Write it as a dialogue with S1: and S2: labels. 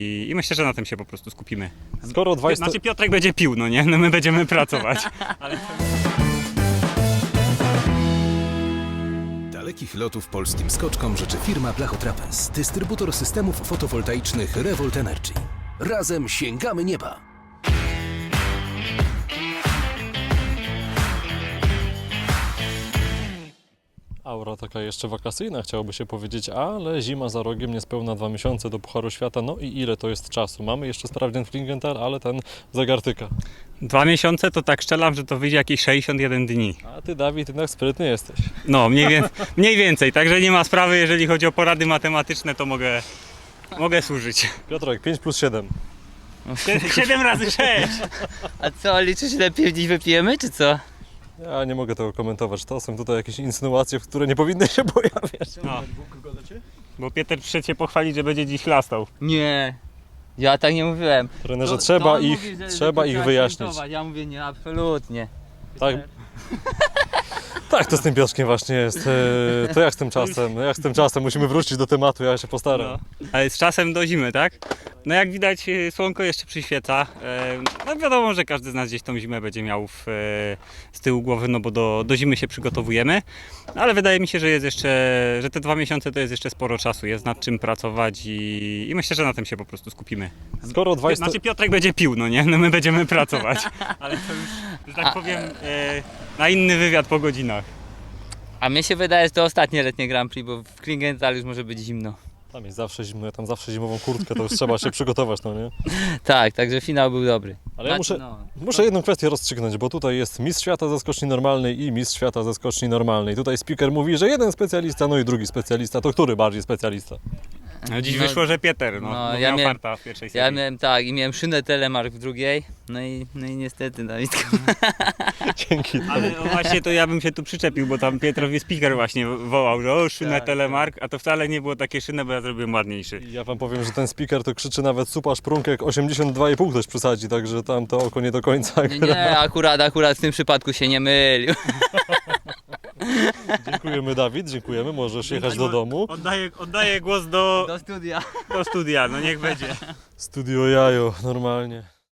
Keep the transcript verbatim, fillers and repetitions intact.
S1: I, I myślę, że na tym się po prostu skupimy.
S2: Skoro dwadzieścia...
S1: Znaczy Piotrek będzie pił, no nie? No my będziemy pracować. Ale...
S3: Dalekich lotów polskim skoczkom życzy firma Blachotrapez, dystrybutor systemów fotowoltaicznych Revolt Energy. Razem sięgamy nieba!
S2: Aura taka jeszcze wakacyjna, chciałoby się powiedzieć, ale zima za rogiem, niespełna dwa miesiące do Pucharu Świata. No i ile to jest czasu? Mamy jeszcze sprawdzian w Klingenthal, ale ten zegar tyka.
S1: Dwa miesiące to tak strzelam, że to wyjdzie jakieś sześćdziesiąt jeden dni.
S2: A ty, Dawid, jednak sprytny jesteś.
S1: No, mniej, wie, mniej więcej, także nie ma sprawy, jeżeli chodzi o porady matematyczne, to mogę, mogę służyć.
S2: Piotrek, pięć plus siedem.
S1: siedem razy sześć!
S4: A co, liczysz ile piw dziś wypijemy, czy co?
S2: Ja nie mogę tego komentować. To są tutaj jakieś insynuacje, w które nie powinny się pojawiać.
S1: No. Bo Pieter przyszedł się pochwalić, że będzie dziś chlastał.
S4: Nie, ja tak nie mówiłem.
S2: Trenerze,
S4: To-
S2: trzeba
S4: to on
S2: ich,
S4: mówi, że-
S2: trzeba
S4: że
S2: ich
S4: trzeba
S2: wyjaśnić.
S4: świętować. Ja mówię nie, absolutnie.
S2: Tak? Tak, to z tym Piotrkiem właśnie jest. E, To jak z tym czasem? Jak z tym czasem? Musimy wrócić do tematu, ja się postaram.
S1: No. Ale z czasem do zimy, tak? No jak widać, y, słonko jeszcze przyświeca. E, No wiadomo, że każdy z nas gdzieś tą zimę będzie miał w, e, z tyłu głowy, no bo do, do zimy się przygotowujemy. Ale wydaje mi się, że jest jeszcze, że te dwa miesiące to jest jeszcze sporo czasu, jest nad czym pracować i, i myślę, że na tym się po prostu skupimy.
S2: Skoro dwadzieścia...
S1: Znaczy Piotrek będzie pił, no nie? No my będziemy pracować. Ale to już, że tak powiem, e, na inny wywiad po godzinach.
S4: A mnie się wydaje, że to ostatnie letnie Grand Prix, bo w Klingenthal już może być zimno.
S2: Tam jest zawsze zimno, ja tam zawsze zimową kurtkę, to już trzeba się przygotować, no nie?
S4: Tak, także finał był dobry.
S2: Ale ja
S4: Znaczy,
S2: muszę,
S4: no.
S2: muszę jedną kwestię rozstrzygnąć, bo tutaj jest mistrz świata ze skoczni normalnej i mistrz świata ze skoczni normalnej. Tutaj speaker mówi, że jeden specjalista, no i drugi specjalista. To który bardziej specjalista?
S1: No dziś
S4: No,
S1: wyszło, że Pieter, no,
S4: no,
S1: bo
S4: ja
S1: miał
S4: miałem-
S1: farta w pierwszej
S4: Ja
S1: serii.
S4: miałem tak i miałem szynę Telemark w drugiej, no i, no i niestety Dawidka.
S2: Dzięki.
S1: Ale no właśnie to ja bym się tu przyczepił, bo tam Pietrowi speaker właśnie wołał, że o szynę
S4: Tak,
S1: Telemark, a to wcale nie było takie szyny, bo ja zrobiłem ładniejszy.
S2: Ja wam powiem, że ten speaker to krzyczy nawet supa szprunkek osiemdziesiąt dwa i pół ktoś przesadzi, także tam to oko nie do końca
S4: Nie,
S2: gra.
S4: nie, akurat, akurat w tym przypadku się nie mylił.
S2: Dziękujemy, Dawid, dziękujemy, możesz jechać do domu.
S1: Oddaję, oddaję głos do,
S4: Do studia.
S1: do studia, no niech będzie.
S2: Studio jajo, normalnie.